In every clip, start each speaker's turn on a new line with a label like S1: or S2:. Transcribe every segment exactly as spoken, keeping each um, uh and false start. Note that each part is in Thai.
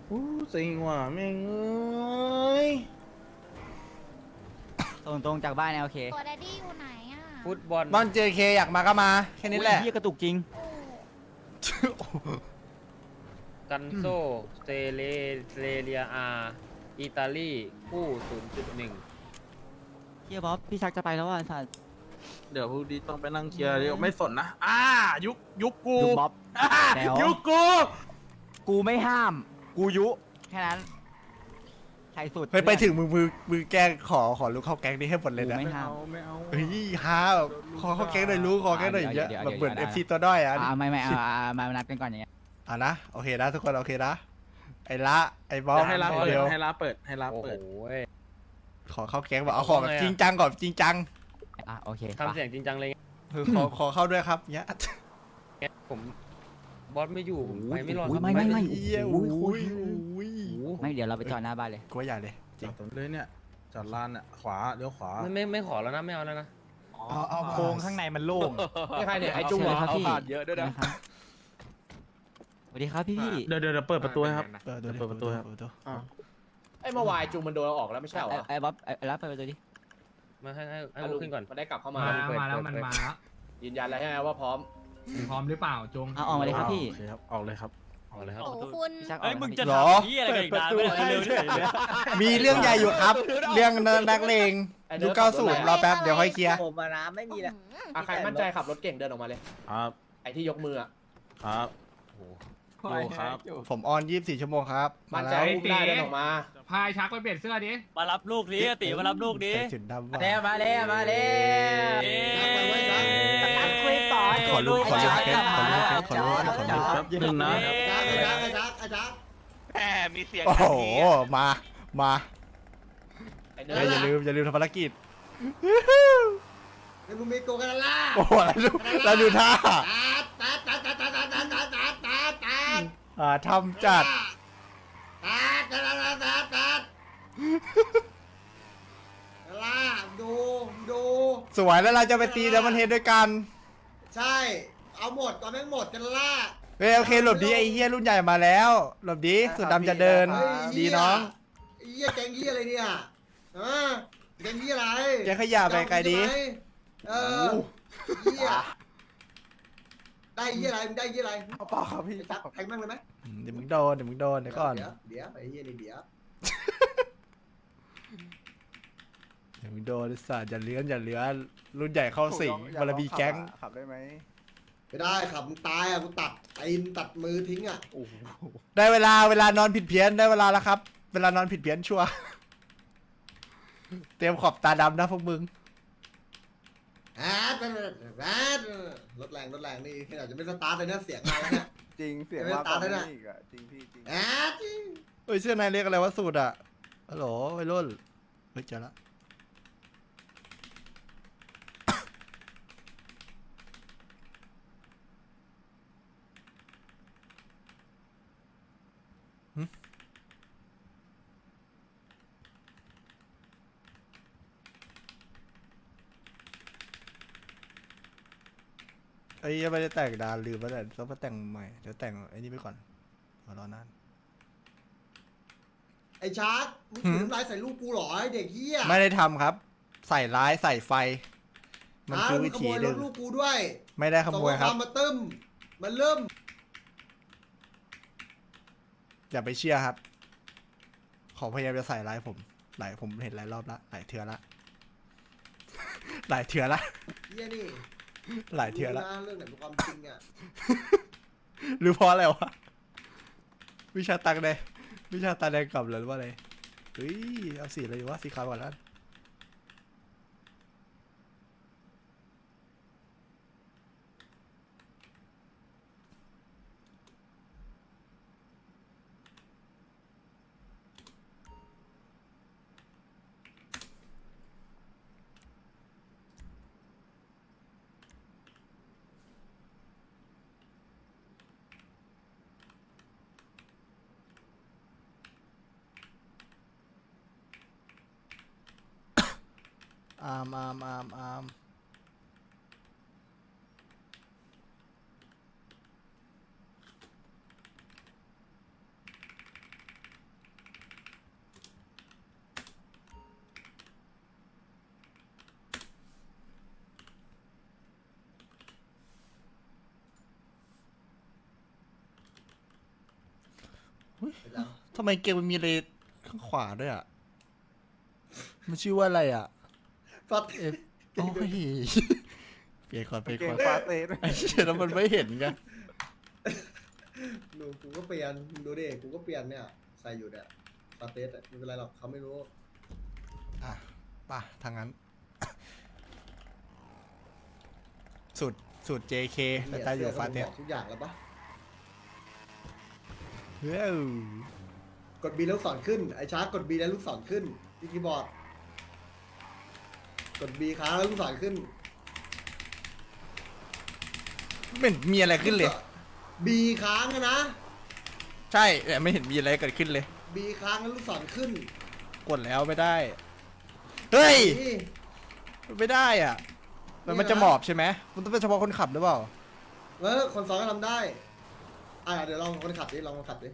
S1: อู้สิงว่ะแม่งเอ้ย
S2: ส่งตรงจากบ้านโอเค
S3: ตัวแดดดี้อยู่ไหนอ่ะ
S4: ฟุตบอล
S1: บ้านเจเคอยากมาก็มาแค่นี้แหละ
S2: เฮียกระตุกจริง
S3: โอ้
S4: กันโซสเตเลสเตเลียอาอิตาลีคู่ ศูนย์จุดหนึ่ง
S2: เฮียบ๊อบพี่ชักจะไปแล้วอ่ะสัตว์
S1: เดี๋ยวพรุ่งนี้ต้องไปนั่งเคลียร์เดี๋ยวไม่สนนะอ่ายุคยุคกู
S2: ยุบ๊อบ
S1: อ่า
S2: แจ๋ว
S1: ยุคกู
S2: กูไม่ห้าม กูยุแค่นั้นใครสุด
S5: เฮ้ยไปถึงมือมือมือแกล้งขอขอลูกเข้าแก๊งนี้ให้หมดเลย
S2: กู
S5: นะ
S2: ไม่
S1: ไม่
S2: ห้าม
S1: เอาไม่เอา
S5: เฮ้ยฮาแบบขอเข้าแก๊งหน่อยรู้ขอแก๊งหน่อยอย่างเงี้ย
S2: เดี๋ยว
S5: แบบเหมือน
S2: เดี๋
S5: เอ
S2: ยว
S5: ฟซีตัวด้อยอ่ะ
S2: อ่าไม่ไม่เอาอ่ามานัดกันก่อนอย่างเงี้ย
S5: อ่ะนะโอเคนะทุกคนโอเคนะไอ้ละไอ้บอส
S1: ให้รับเปิด
S5: เดียว
S1: ให้รับเปิดให้รับ
S4: โอ้
S1: เปิด
S4: โห
S5: ขอเข้าแก๊งแบบเอาขอแบบ
S4: เอาไงอะ
S5: จริงจังก่อนจริงจัง
S2: อ่ะโอเค
S4: ทำเสียงจริงจังเลย
S5: คือขอขอเข้าด้วยครับเนี้ย
S4: เงี้ยผมบอสไม่อยู่ผมไปไม่รอด
S2: โอ้
S4: ค
S2: ย
S4: รับ
S2: ไม่ไม่ไม่
S5: เหี้ย
S2: โอ้
S5: อุ้
S2: ย
S5: ยอุ้ย
S4: โอ้โห
S2: ไม่เดี๋ยวเราไปจอดหน้าบ้านเลย
S5: กูว่าใหญ่เลยจ
S1: จ
S5: ริ
S1: อง ดตรงเลยเนี่ยจอดลานเนี่ยขวาเลี้ยวขวา
S4: ไม่ไม่ไม่ขอแล้วนะไม่เอาแล้วนะ
S5: เอาเอาโครงข้างในมันโล่ง
S6: ไม่ใครเนี่ยไอ้จุ้ง
S2: เชิญครับ
S6: เอา
S2: พี่
S6: ผ่านเยอะด้วยนะ
S2: ครับสวัสดีครับพี่พี่
S1: เดี๋ยวเดี๋ยวเดี๋ยวเปิดประตูให้ครับ
S5: เปิดดูดิ
S1: เปิดประตูครับ
S5: เปิดประตู
S1: อ่า
S6: ไอ้เมื่อวายจุ้งมันโดนเราออกแล้วไม่ใช่เหรอ
S2: ไอ้ไอ้บ๊อบไอ้รับไปประตูดิ
S4: มาให้ให้ให้
S6: อ่ะ
S4: ลุกขึ้นก่อน
S6: มันได้กลับเข้ามา
S7: มา
S4: เปิด
S7: มาแล้ว
S4: เปิด
S7: มัน
S4: เปิด
S7: มาแล้ว
S6: ยืนยันแล้วใช่ไหมว่าพร้อม
S7: พร้อมหรือเปล่าจง
S2: เอาออกมาเลยครับพี่
S1: โอเคครับออกเลยครับ
S4: เอาเลยครับ
S3: โหคุณ
S2: พี่ชักออก
S8: เอ้ย
S2: มา
S8: มึง
S2: พี่
S8: จะ
S5: หรอ
S8: ทำที่อะไรกันอีกนานไม่ได้เร็วๆเลย
S5: มีเรื่องใหญ่อยู่ครับ เรื่องนักเลงยุคเก้าสูตรรอแป๊บเดี๋ยวค่อยเคลียร์
S9: ผมมานะไม่มีแล้ว
S6: อ่ะใครมั่นใจขับรถเก่งเดินออกมาเลย
S1: ครับ
S6: ไอ้ที่ยกมืออ่ะ
S1: ครับโอ้ครับ
S5: ผมออนยี่สิบสี่ชั่วโมงครับมา
S6: มั่นใจ
S5: แล้ว
S6: อุ้มได้เดินออกมา
S7: พายชักไปเปลี่ยนเสื้อดิ
S8: มารับลูกนี้ติมารับลูกนี้
S5: ใส่จุดดำว่ะ
S9: แล้วมาแล้วมาแล้ว
S8: เอ๊ะ
S9: คุยต่อ
S5: ขอรูปขอรูปเพชรขอรูปเพชรขอรูปเพชรขอรูปเพชร
S1: แป๊บนึงนะ
S8: แหมมีเสียง
S5: โอ้โห มา มา
S6: ไอ้เนิ
S5: เอ้ย
S6: ร์
S5: อย่า
S6: ด
S5: ลืม อย่าลืมทำภารกิจ
S10: ไอ้มึงมีโกกันล่ะ
S5: โอ้โหแล้วดูแล้วดูท่า
S10: ตัดตัดตัดตัดตัดตัดตัดตัดตัดตัด
S5: อ่าทำจัด
S10: ตัดตัดตัดตัดตัดล่าดูดู
S5: สวยแล้วเราจะไปตีแล้วมันเฮดด้วยกัน
S10: ใช่ เอาหมดตอนแม่งหมดกันล่า
S5: เฮ้ยโอเคหลบดีไอ้เฮียรุ่นใหญ่มาแล้ว หลบดีสุดดำจะเดิน ดีน้อง
S10: ไอ้เหี้ยแกงเหี้ยอะไรเนี่ยฮะแกงเหี้ยอะไร
S5: แกขยะไปไกลดี
S10: เออเหี้ยได้เหี้ยอะไรมึงได้เหี้ยอะไร
S5: เอาเปล่าครับพี่
S10: จับแทงแม่งเลยไหม
S5: เดี๋ยวมึงโดน เดี๋ยวมึงโดน เดี๋ยวก่อน
S10: เดี๋ยวเดี๋ยวไอ้เหี้ยนี่เดี๋ยว
S5: เดี๋ยวมึงโดนไอ้สัตว์อย่าเลื้อนอย่าเลื้อนรุ่นใหญ่เข้าสิงบารมีแก๊ง
S10: ขับได้ไหมไม่ได้ขับมึงตายอ่ะกูตัดตีนตัดมือทิ้งอ่ะ
S5: ได้เวลาเวลานอนผิดเพี้ยนได้เวลาแล้วครับ เวลานอนผิดเพี้ยนชัวร์ เตรียมขอบตาดำนะพวกมึง
S10: แอดแอดรถแรงรถแรงนี่ขนาดจะไม่สตาร์ทเลยนะเสียงมาแล้วเนี่ย
S9: จริงเสียง
S10: ไม่
S9: มาก
S10: ตาก
S9: ว่า
S10: เลยนะ
S9: นี้อีกอะจริงพี่จริง
S10: แอด
S5: เฮ้ยเสื้อในเรียกอะไรวะสูตรอะฮัลโหลไอ้รุ่นเฮ้ยเจอละหึไอ้ยังไม่ได้แต่งดานลืมไปแล้วต้องมาแต่งใหม่เดี๋ยวแต่งไอ้นี่ไปก่อนขอรอนาน
S10: ไอ้ชาร์กมึงถือน้ำลายใส่ลูกกูเหรอไอ้เด็กเฮีย
S5: ไม่ได้ทำครับ ใส่ร้ายใส่ไฟ มันคือวิธี
S10: ขโมย
S5: ห
S10: ร
S5: นึ่
S10: ถ
S5: ง
S10: ลูกกูด้วย
S5: ไม่ได้ขโมยครับ
S10: ส่งข้อวามาตึ้มมันเริ่ม
S5: อย่าไปเชื่อครับ ขอพยายามจะใส่ร้ายผม หลายผมเห็นหลายรอบละหลายเทือละ หลายเทือละ
S10: เฮียนี่
S5: หลายเทือละ
S10: รู้นะเรื่องไหนเป็นความจริงอ่ะ
S5: หรือเพราะอะไรวะ วิชาตังแดงวิชาตาแดงกลับเลยหรือว่าอะไรเฮ้ยเอาสีอะไรดีวะสีขาวก่อนแล้วอามอามอามอามทำไมเกมมันมีอะไรข้างขวาด้วยอ่ะ มันชื่อว่าอะไรอ่ะ
S10: ฟัด
S5: เอฟโอ้ยเปลี่ยนก่อนเปลี่ยน
S1: เก่
S5: ก่
S1: ง
S5: อน
S1: ฟาเต้ด้วย
S5: ไอ้เชี่ยแล้วมันไม่เห็นไง
S10: ดูกูก็เปลี่ยนดูดิกูก็เปลี่ยนเนี่ยใส่อยู่เนี่ยฟาเตสอะไม่เป็นไรหรอกเขาไม่รู้
S5: อ่ะป่ะทางนั้น สูตรสูตร เจ เค แต่ตาอยู่ฟาเตส
S10: บอกทุกอย่างแล้วปะ
S5: เฮ้ย
S10: กดบีแล้วลูกศรขึ้นไอ้ช้ากดบีแล้วลูกศรขึ้นที่คีย์บอร์ดกดบีค้างแล้วลูกศรขึ้น
S5: ไม่เห็นมีอะไรขึ้นเลย
S10: บีค้างอะนะ
S5: ใช่แต่ไม่เห็นมีอะไรเกิดขึ้นเลย
S10: บีค้างแล้วลูกศรขึ้น
S5: กดแล้วไม่ได้ เฮ้ย
S10: นี่
S5: ไม่ได้อ่ะ มันมันจะหมอบใช่ไหมมันต้องเป็นเฉพาะคนขับหรือเปล่า
S10: เออคนซ้อนก็ทำได้อ่ะเดี๋ยวลองคนขับดิลองคนขับดิ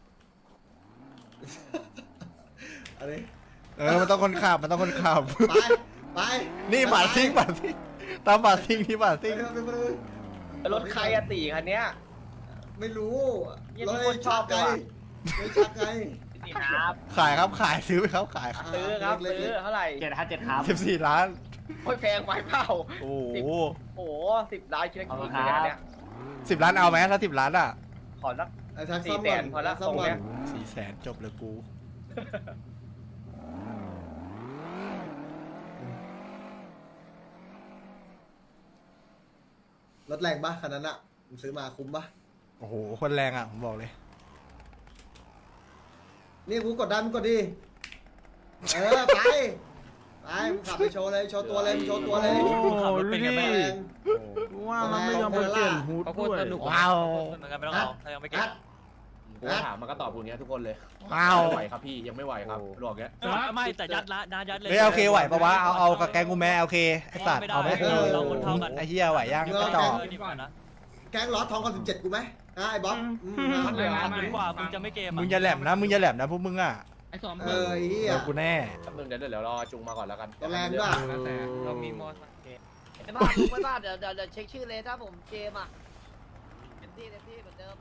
S10: อะไร
S5: เออ มันต้องคนขับ มันต้องคนขับ
S10: ไปไป
S5: นี่บาทซิงบาทซิงตามบาทซิงที่บาทซิง
S10: ไปไปไปไป
S9: รถใครอะตีคันเนี้ย
S10: ไม่รู้
S9: ยัง
S10: ร
S9: มี
S10: ถ
S9: ค
S10: ไอ้
S9: นช
S10: ชั
S9: อบ
S10: กไง
S9: ด้วยว่ะ
S10: ไม่ชักไง
S9: นี่ครับ
S5: ขายครับ ขายซื้อไปครับขาย
S9: ซื้อครับซื้อเท่าไหร่
S2: เจ็ดห้าเจ็ดครับ
S5: สิบสี่ล้าน
S9: โอ้ยแพงไปเปล่า
S5: โอ้
S9: สิบ
S5: โห
S9: โอ้โหสิบล้านคิดได้
S2: เอา
S9: กี่
S2: ครั
S9: เงิ
S2: บ
S9: นเนี่ย
S5: สิบล้านเอาไหมถ้าสิบล้านอ่ะ
S9: ขอสัก
S10: ไอ้ชัก
S9: สี่
S10: ซ่อม
S9: แส
S10: ก่อน
S9: นพอละ
S10: ซ่อม
S9: ตรง
S10: ก่อ
S9: เนี้
S10: น
S9: ย
S5: สี่แสนจบเลยกู
S10: รถแรงปะคันนั้นอะมึงซื้อมาคุ้มปะ
S5: โอ้โห คนแรงอ่ะ ผมบอกเลย
S10: นี่กูกดดันมึงกดดิเออไปไปมึงขับไปโชว์เลยโชว์ตัวเลยมึงโชว์ตัวเลย
S1: โอ้โห
S8: ขับรถเป็นไง
S1: นี่
S8: บ้าง
S10: แรง
S1: ว่ามันไม่ยอมไปเปลี่ยนฮูด
S4: เขาโค
S1: ด้
S4: ต
S1: ว
S4: ร
S1: ย
S4: สนุก
S5: ว้าว
S8: เหมือนกันไม่ต้องเอาถ้ายังไม่เก็บ
S10: อัด
S6: กูถามมันก็ตอบกูอย่างเงี้ยทุกคนเลย
S5: ว้าว
S6: ไม่ไหวครับพี่ยังไม่ไหวครับบอกเงี้ย
S8: ไม่แต่ยัดละนายัดเลย
S5: เฮ้ยโอเคไหวปะวะ เอาเอากับแกงกูแม่โอเค ไอสัตว์
S8: ไม่ได้
S5: เอาไหม
S8: เราคนเท่ากัน
S5: ไอเฮียไหวยังกระจอก
S8: เออดีกว่านะ
S10: แก๊งล้อทองคอนสิบเจ็ดกูไหมอ่ะไอ้บ๊อบอืม
S7: มั
S10: มาน
S7: เหลือ
S8: ดีกว่ามึงจะไม่เกม
S5: มึงอย่าแหลมนะ มึงอย่าแหลมนะพวกมึงอ่ะ
S7: ไอ้สอง
S10: เออไอ้เหี้ย
S5: เดี๋ยวกูแน่
S6: แป๊บนึงเดี๋ยวเดี๋ยวรอจุงมาก่อนแล้วกัน
S10: ตัวแรงด้วย
S7: แล้วแต่
S4: เรามีมอสเกม
S9: ไอ้บ้าลุงไม่บ้าเดี๋ยวเดี๋ยวเดี๋ยวเช็คชื่อเลยถ้าผมเจมอ่ะเต็มที่เต็มที่เหมือนเดิม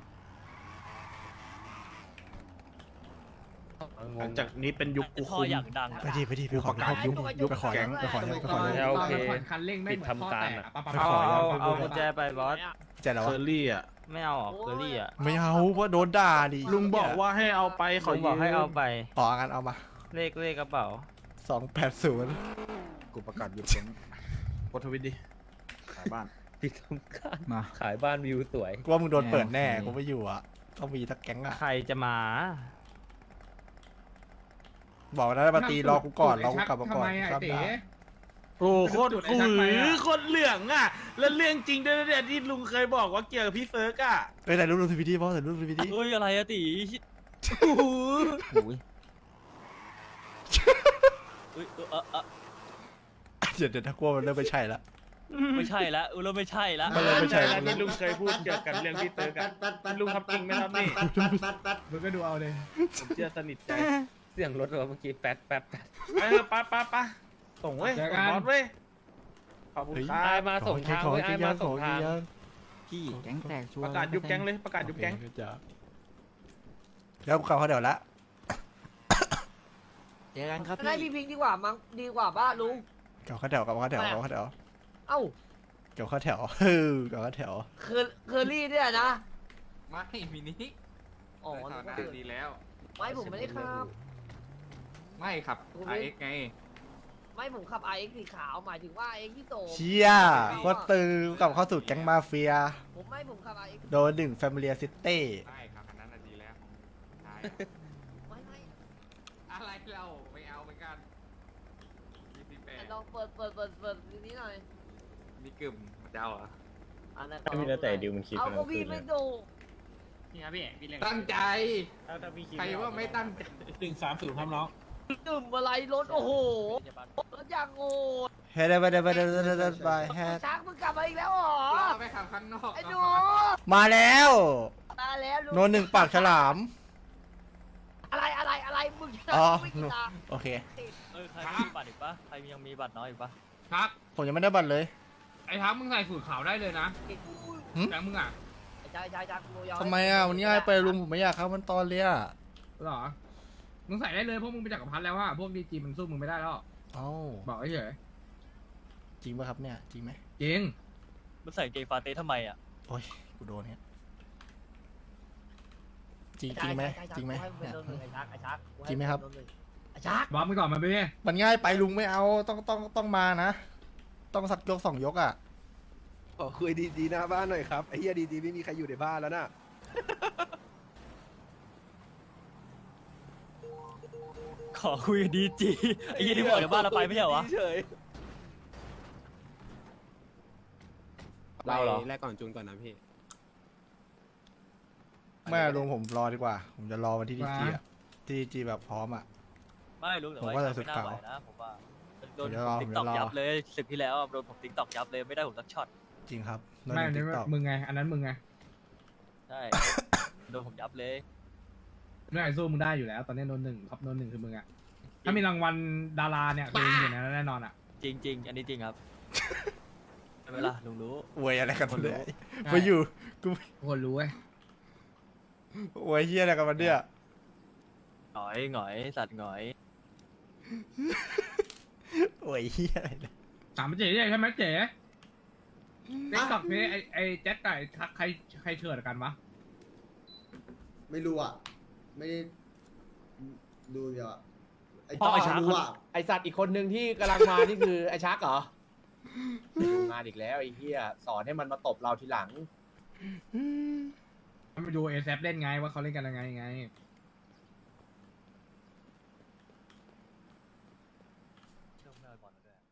S1: หลังจากนี้เป็นยุคกู
S8: ท่อ
S1: คุม
S8: อย่างดัง
S5: ไปดิไปดิไปขอไปขอยุบยุบไปขอยังไปขอยังไปขอยัง
S4: โอเค
S7: คันเร่งไม่เหมือนท่อแตกอะ
S5: ไปขอยัง
S2: เอากุญแจไปบอส
S5: แจกแล้ว
S1: เช
S5: วะ
S1: อรี่อ่ะ
S2: ไม่เอาออกเคอรี่อ่ะ
S5: ไม่เอาเพราะโดนด่าดิ
S1: ลุงบอกว่าให้เอาไปขอ
S2: ลุง
S1: ยืม
S2: บอกให้เอาไป
S5: ของั้นเอามา
S2: เลขเลขกระเป๋า
S5: สองแปดศูนย์
S1: กูประกาศหยุดเสียงโพสต์ทวิตดิขายบ้าน
S4: ปิดทำการ
S2: มา
S4: ขายบ้านวิวสวย
S5: กูว่ามึงโดนเปิดแน่
S2: โอเค
S5: กูไม่อยู่อ่ะ ต้องมีทักแก๊งอ่ะ
S2: ใครจะมา
S5: บอกนะมาตีรอกูก่อนรอกูกลับมาก่อน
S7: ทำไมอะ
S5: ครับ
S7: ไอ้เต๋
S5: ได้
S1: โอ้โคตร
S7: จุดไอ้
S1: กู
S7: ชักไป
S1: หือ
S7: อะ
S1: โคตรเหลืองอ่ะ แล้วเรื่องจริงด้วยนะเนี่ยที่ลุงเคยบอกว่าเกี่ยวกับพี่เซิร์กอ่ะ
S5: ไปถ่ายรูปลงทวิตดิพ่อถ่ายรูปลงทวิตดิ
S8: เฮ้ยอะไรอะตี
S1: โอ้โห
S2: อุ้ย
S8: เอ้ยเออเออเออ
S5: เดี๋ยวเดี๋ยวถ้ากลัวมันเริ่มไม่ใช่ละ
S8: ไม่ใช่ละเออเราไม่ใช่ละ
S5: มันเลยไม่ใช่
S1: แล้วที่ลุงเคยพูดเกี่ยวกับเรื่องพี่เซิร์กอ่ะลุงทำจริงไหมครับนี่
S7: มึงก็ดูเอาเลย
S1: ผมเชื่อสนิทใจ
S4: เสียงรถเราเมื่อกี้แป๊ดแป๊ดแป๊ด
S1: ไปเถอะไปไปไปส่งเว้ยส่งบอสเว้ยขอบคุณครั
S4: ไอ้
S1: บ
S4: มาส่งทาง
S5: ขอ
S4: เว้ย
S5: ให้
S4: ไอ้
S5: ยั
S4: มาง ส่ง
S5: ขอให้
S4: ทาง
S5: ยัง
S2: พี่แก๊งแตกชัว
S1: ประกาศยุบแก๊งเลยประกาศยุบแก๊ง
S5: โอเคจ้ะแล้วกูเข้าเขาเดี๋ยวละ
S2: เจอกันครับ
S9: ได้
S2: พี่
S9: พี่พิงดีกว่ามั้งดีกว่าบ้าลุง
S5: เก่าเข้าแถวเก่าเข้าแถวเก่าเข้าแถว
S9: เอ้า
S5: เก่าเข้าแถวเฮ้ยเก่าเข้าแถว
S9: เคอร์เคอรี่เนี่ยนะ
S7: ไม่มินิ
S9: อ๋อนึกว่าอื่น
S7: ดีแล้ว
S9: ไม่ผมไม่ได้ขับ
S7: ไม่ครับ
S9: ไอเอ็กซ์
S7: ไง
S9: ไม่ผมขับ ไอ เอ็กซ์ สีขาวหมายถึงว่า ไอ เอ็กซ์ ที่โต
S5: เชี่ยโคตรตึงกลับเข้าสู่แก๊งมาเฟีย
S9: ผมไม่ผมขับ ไอ เอ็กซ์
S5: โดนหนึ่งแฟมิเลียซิตี้
S7: ใช่ครับอันนั้นน่ะดีแล้วใช่
S9: ไม่ไม่
S7: อะไรเราไม่เอาเหมือนกันยี่สิบแปด
S9: ลองเปิดเปิดเปิดเปิดทีนี้หน่อย
S7: มีกึ่มเจ้าเหรอ
S9: อันนั้น
S4: ไม่มีแล้วแต่ดิวมันคิด
S9: เอา
S4: มัน
S9: ก็พี่ไม่ดู
S7: นี่ครับพี่พี่เล่นตั้งใจใครว่าไม่ตั้งใจ
S1: หนึ่งสามศูนย์ครับน้อง
S9: ดื่มอะไรรถโอ้โหรถอย่างโง่
S5: เฮ้ยได้ไปได้ไปได้ไปได้ไปแฮด
S9: ช้างมึงกลับมาอีกแล้วเหรอ
S7: เราไปขับข้างนอก
S9: ไอ้หนู
S5: มาแล้ว
S9: มาแล้วลุง
S5: โนนหนึ่งปากฉลาม
S9: อะไรอะไรอะไรมึงจะ
S5: อ๋อ
S9: ไม่กินละ
S5: โอเค
S8: เออใครมีบัตรอีกปะใครยังมีบัตรน้อยอีกปะ
S7: ทัก
S5: ผมยังไม่ได้บัตรเลย
S7: ไอ้ทักมึงใส่สูตรขาวได้เลยนะ
S5: หึ
S7: แต่มึงอ่ะ
S9: ใช่ใช่ใช่กูยอ
S5: ทำไมอ่ะมันง่ายไปลุงผมไม่อยากเข้ามันตอนเลยอ่ะ
S7: หรอ มึงใส่ได้เลยพวกมึงไปจักรพรรดิแล้วว่าพวกดีจีมันสู้มึงไม่ได้แล้ว
S5: เอ้า
S7: บอกเฉย
S5: จริงป่ะครับเนี่ยจริงไหม
S7: จริง
S8: มันใส่กางเกงฟาเต้ทำไมอ่ะ
S5: โอ้ยกูโดนเนี่ยจริงจริงไหมจริงไหม
S9: ให้มึงเป็น
S5: เนี่ย
S9: โดนหนึ่งไอ้ชักไอ้ชัก
S5: จริงไหมครับ
S9: โดนนึ่งไอ้ชัก
S7: บอกมึงก่อนมาพี่
S5: มันง่ายไปลุงไม่เอาต้องต้องต้องมานะ ต้องสักยกสองยกอ่ะ
S11: ขอคุยดีๆหน้าบ้านหน่อยครับไอ้เหี้ยดีๆไม่มีใครอยู่ในบ้านแล้วน่ะ
S8: ขอคุยกับดีจีไอ้ยี่ที่บอกจากบ้านเราไปไม่ใช่เหรอวะ
S11: เฉย
S6: เราเหรอ
S11: แรกก่อนจูนก่อนนะพี่
S5: ไม่ลุงผมรอดีกว่า ผมจะรอวันที่ดีจีอ่ะที่ดีจีแบบพร้อมอ่ะ
S8: ไม่รู้แต่
S5: ผม
S8: ว่า
S5: ว่าจะ
S8: ไม่น่า
S5: สุด
S8: ไหว
S5: เก่า
S8: นะผมว่าโดน
S5: เดี๋ยว
S8: ผ
S5: รอ
S8: มติ๊กตอก
S5: เดี๋ยวรอ
S8: ยับเลยสิบที่แล้วโดนผมติ๊กตอกยับเลยไม่ได้ผมสักช็อต
S5: จริงครับ
S7: ไม่อัน
S5: ติ๊
S7: นี้
S5: กต็อก
S7: มึงไง อันนั้นมึงไง
S8: ใช่ โดนผมยับเลย
S7: ไม่ไอ้สู้มึงได้อยู่แล้ว ตอนนี้โดนหนึ่งครับโดนหนึ่งคือมึงอะถ้ามีรางวัลดาราเนี่ยคือมึงอยู่ในนั้นแน่นอนอะ
S8: จริงจริง ๆ อันนี้จริงครับใช่ไหมล่ะลุงรู้
S5: อวยอะไรกัน
S8: คนรู้
S5: เนี่ยไปอยู่กู
S7: ทุกคนรู้เว้ย
S5: อวยเฮียอะไรกันมันเนี่ย
S8: หงอยหงอยสัตว์หงอย
S5: อวยเฮียอะไรเนี่ย
S7: ถามมาเจ๋ใช่ไหมเจ๋เด็กตอกนี้ไอ้ไอ้แจ็คกับไอ้ทักใครใครเชิดกันวะ
S10: ไม่รู้อ่ะ ไม่ได้ดูเดียวอะไอ้
S6: พ่อ
S10: ต้อ
S6: ไอ้ชัก
S10: รู้อ่ะ
S6: ไอสัตว์อีกคนหนึ่งที่กำลังมานี่คือไอชักเหรอมาอีกแล้วไอ้เหี้ยสอนให้มันมาตบเราทีหลัง
S7: มาดูเอซเล่นไงว่าเขาเล่นกันยังไงไง
S8: เชื่อไม่เอาบอลแล้วด้วย